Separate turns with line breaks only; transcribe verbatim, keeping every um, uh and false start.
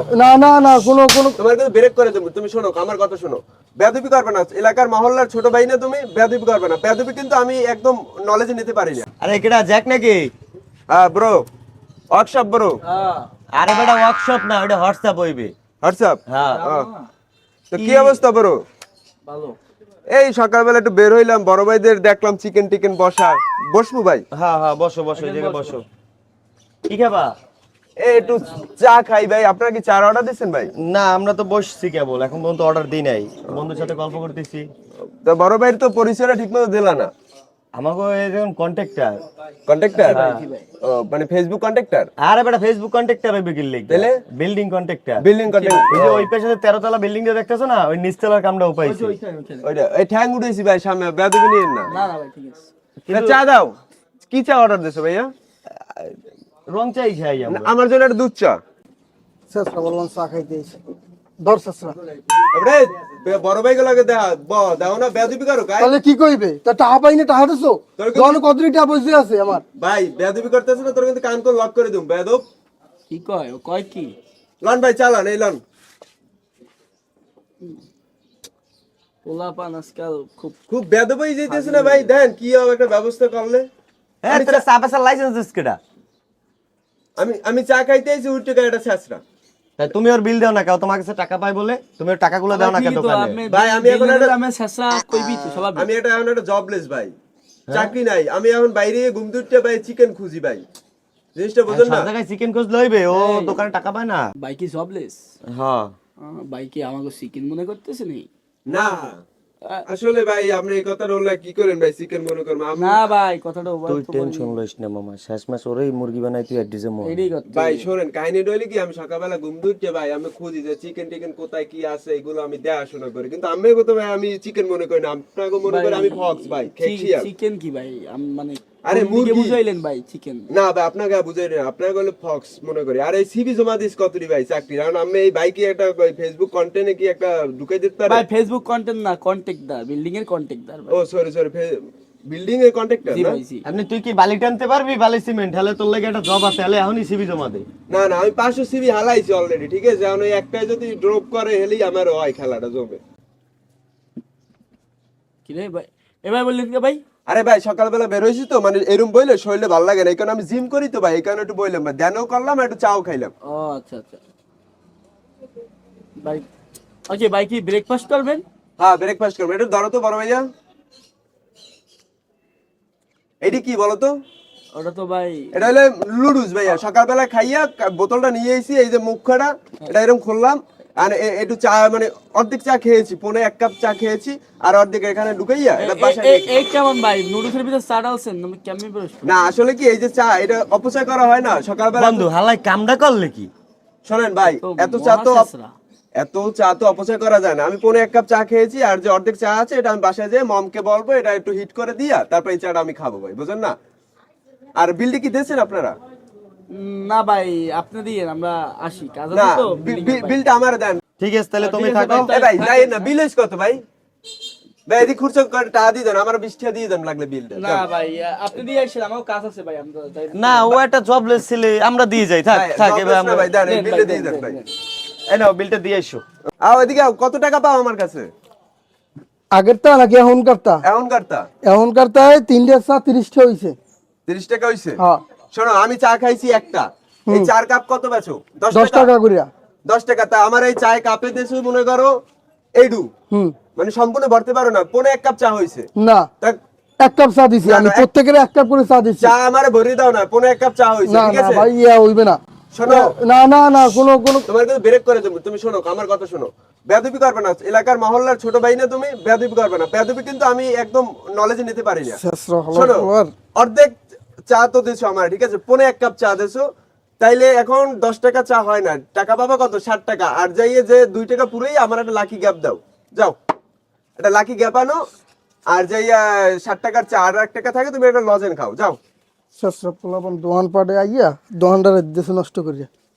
না না না কোনো কোনো
তোমার কিন্তু ব্রেক করে দেবো, তুমি শোনো আমার কথা শোনো। বেয়াদবি করবে না, এলাকার মহল্লার ছোট ভাই না তুমি, বেয়াদবি করবে না। বেয়াদবি কিন্তু আমি একদম নলেজে নিতে পারি না।
আরে কেডা জ্যাক নাকি?
হ্যাঁ ব্রো, ওয়ার্কশপ ব্রো।
আরে বেটা ওয়ার্কশপ না, ওটা হোয়াটসঅ্যাপ হইবে।
হোয়াটসঅ্যাপ?
হ্যাঁ।
তো কি অবস্থা ব্রো?
ভালো।
এই সকালবেলা একটু বের হইলাম, বড় ভাইদের দেখলাম চিকেন টিকেন বসা। বসবো ভাই?
হ্যাঁ হ্যাঁ, বসো বসো, এই জায়গায় বসো। কি খাবা?
এই একটু চা খাই ভাই। আপনারা কি চা অর্ডার দিচ্ছেন ভাই?
না, আমরা তো বসছি কেবল, এখন পর্যন্ত অর্ডার দিই নাই, বন্ধুর সাথে গল্প করতেছি।
তো বড় ভাইয়ের তো পরিচয়টা ঠিক মতো দিলা না।
আমাকে এখন কন্ট্যাক্টর।
কন্ট্রাক্টর? ও মানে ফেসবুক কন্ট্রাক্টর?
আরে বেটা ফেসবুক কন্ট্রাক্টর হইবে কি লিখ?
তাহলে
বিল্ডিং কন্ট্রাক্টর।
Building contractor.
ওই যে ওই পাশে তেরো তলা বিল্ডিং টা দেখতেছো না, ওই নিচতলার কামটা উপাইছি।
ওইটা এই ঠ্যাং উঠেছি ভাই সামনে, বেয়াদবি নিয়েন না।
না না ভাই ঠিক আছে।
তা চা দাও। কি চা অর্ডার দিছো ভাইয়া?
রং চাই খাই আমরা।
আমার জন্য একটা দুধ চা।
শেষরা বললাম চা খাইতে এসে দর শেষরা
এবারে বড় ভাই গুলোকে দেয়া ব দাও না, বেয়াদবি করো গাই।
তাহলে কি কইবে? তা টাকা পাই না, টাকা দিছো?
তোর কি-
দোকান কতটি টাকা বসে আছে আমার?
ভাই বেয়াদবি করতেছ না, তোর কিন্তু কান করে লক করে দিম বেয়াদব।
কি কয়? ও কয় কি?
লন ভাই চালান, এই লন।
পোলা পান আজকাল খুব
খুব বেয়াদব হয়ে যাইতেছে না ভাই, দেন কি হবে একটা ব্যবস্থা করলে।
হ্যাঁ, তোরা চা পাশার লাইসেন্স দিস কেডা?
আমি আমি চা খাইতে আইছি, উঠে গাড়িটা ছেঁচড়া।
তাই তুমি ওর বিল দাও না, কেউ তোমার কাছে টাকা পাই বলে তুমি ওর টাকাগুলো দাও না কেন দোকানে?
ভাই আমি এখন একটা
আমি শেষরা কইবি তো সবাই।
আমি এটা এখন একটা জবলেস ভাই, চাকরি নাই। আমি এখন বাইরে ঘুম দুটে ভাই চিকেন খুঁজি ভাই, জিনিসটা বুঝুন
সব
না।
জায়গায় চিকেন কোচ লইবে, ও দোকানে টাকা পায় না।
বাইকি জবলেস?
হ্যাঁ।
বাইকি আমাকে চিকেন মনে করতেছে নি?
না আসলে ভাই আপনি এই কথা বললে কি করেন ভাই, চিকেন মনে করেন আমি-
না ভাই কথাটা ওভার
তুই টেনশন লইস না মামা, শেষ মাস ওরেই মুরগি বানাই তুই অ্যাড্রেসে মো।
এটাই কথা।
ভাই শোনেন কাহিনী রইলে কি, আমি সকালবেলা ঘুম দুটে ভাই আমি খুঁজি যে চিকেন টিকেন কোথায় কি আছে, এগুলো আমি দেখাশোনা করি। কিন্তু আমি কথা ভাই আমি চিকেন মনে করি না, আপনাকে মনে করি আমি ফক্স ভাই, খেয়েছি আর।
চিকেন কি ভাই? আম- মানে
আরে
কোন দিকে
মুরগি।
বুঝাইলেন ভাই চিকেন?
না ভাই আপনাকে বুঝাই না, আপনাকে বলে ফক্স মনে করি। আর এই সিভি জমা দিস কতরি ভাই চাকরি, কারণ আমি এই বাইকে একটা ফেসবুক কন্টেন্টে কি একটা ঢুকাই দিতে পারে।
ভাই ফেসবুক কন্টেন্ট না, কন্টাক্টদার, বিল্ডিং এর কন্টাক্টদার ভাই।
ও সরি সরি, বিল্ডিং এর কন্ট্রাক্টর
জি
না?
ভাই জি।
আপনি তুই কি বালি টানতে পারবি? বালি সিমেন্ট হলে তোর লাগে একটা জব আছে, হলে এখনই সিবি জমা দে।
না না আমি পাঁচশো সিভি হালাইছি অলরেডি, ঠিক আছে? এখন ওই একটাই যদি ড্রপ করে হেলেই আমার হয় খেলাটা জমে।
কি রে ভাই এবার বললেন কি ভাই?
আরে ভাই সকালবেলা বের হয়েছি তো, মানে এরম বইলে শরীরে ভালো লাগে না, এই কারণে আমি জিম করি তো ভাই, এই কারণে একটু বইলাম ভাই, ধ্যানও করলাম একটু চাও খাইলাম।
ও আচ্ছা আচ্ছা ভাই। ওকে ভাই কি ব্রেকফাস্ট করবেন?
হ্যাঁ ব্রেকফাস্ট করবো, একটু ধরো তো বড় ভাইয়া। এটি কি বলো তো?
ওটা তো ভাই
এটা হলো লুডুস ভাইয়া, সকালবেলা খাইয়া কা- বোতলটা নিয়ে এসেছি, এই যে মুখখাটা এটা এরকম খুললাম, আর এ- একটু চা মানে অর্ধেক চা খেয়েছি, পৌনে এক কাপ চা খেয়েছি, আর অর্ধেক এখানে ঢুকাইয়া এটা বাসায়
এ-
নিয়ে
এ- এই কেমন ভাই নুডলসের ভিতরে চা ডালছেন? আমি কেমন বলছ?
না আসলে কি এই যে চা এটা অপচয় করা হয় না সকালবেলা।
বন্ধু হালাই কামডা করলে কি?
শোনেন ভাই
তো
এত চা তো
মহাশেষরা।
এত চা তো অপচয় করা যায় না। আমি পৌনে এক কাপ চা খেয়েছি, আর যে অর্ধেক চা আছে এটা আমি বাসায় যেয়ে মমকে বলবো এটা একটু হিট করে দিয়া তারপর এই চাটা আমি খাবো ভাই, বুঝেন না? আর বিলটি কি দিয়েছেন আপনারা?
উম, না ভাই আপনি দিয়ে আমরা আসি কাজ
না
আছে তো
বি-
building এর
বি-
ভাই।
বিলটা আমার দেন।
ঠিক আছে তাহলে তুমি
ঠিক আছে
থাকো।
ভাই,
এ ভাই যাই না, বিল হইছে কত ভাই? ভাই এদিক খুরচো করে টাকা দিয়ে দেন, আমার বিশ টাকা দিয়ে দেন লাগলে বিলটা।
না ভাই আপনি দিয়ে আসেন, আমারও কাজ আছে ভাই। আমরা যাই
না, ও একটা জবলেস ছেলে, আমরা দিয়ে যাই। থাক
ভাই,
থাক,
jobless
এবার
না
আমরা
ভাই, দেন এই
দেন
বিলটা
ভাই,
দিয়ে
দেন,
দেন ভাই।
দেন,
এই নাও বিলটা দিয়ে এসো।
আও এদিকে আও, কত টাকা পাও আমার কাছে?
আগেরটা নাকি এখনকারটা?
এখন কারটা
এখনকারটায় তিনটে চা তিরিশটা হইছে।
তিরিশ টাকা হইছে?
হ্যাঁ
শোনো আমি চা খাইছি একটা, এই চার কাপ কত বেচো? দশ
দশ টাকা করিয়া।
দশ টাকা। তা আমার এই চায় কাপে দেশে মনে করো এইডু,
হুম
মানে সম্পূর্ণ ভরতে পারো না, পনে এক কাপ চা হইছে।
না
তা
এক কাপ চা দিছি
না,
আমি,
না, এক-
প্রত্যেকের এক কাপ করে চা দিচ্ছি।
চা আমারে ভরিয়ে দাও না, পনে এক কাপ চা হইছে,
না
ঠিক
না
আছে?
ভাই ইয়া হইবে না।
শোনো
না না না কোনো কোনো
তোমার কিন্তু ব্রেক করে দেবো, তুমি শোনো আমার কথা শোনো। বেয়াদবি করবে না, এলাকার মহল্লার ছোট ভাই না তুমি, বেয়াদবি করবে না। বেয়াদবি কিন্তু আমি একদম নলেজে নিতে পারি না।
শেষরা হলো
শোনো
তোমার।
অর্ধেক চা তো দিছো আমার, ঠিক আছে? পনে এক কাপ চা দিছো, তাইলে এখন দশ টাকা চা হয় না, টাকা পাবা কত? ষাট টাকা। আর যাইয়ে যে দুই টাকা পুরোই আমার একটা লাকি গ্যাপ দাও, যাও একটা লাকি গ্যাপ আনো, আর যাইয়া ষাট টাকার চা আর এক টাকা থাকে তুমি একটা লজেন খাও, যাও।
শেষরা পোলাপন দোকান পাড়ে আইয়া দোকানটারে দেশে নষ্ট করিয়া।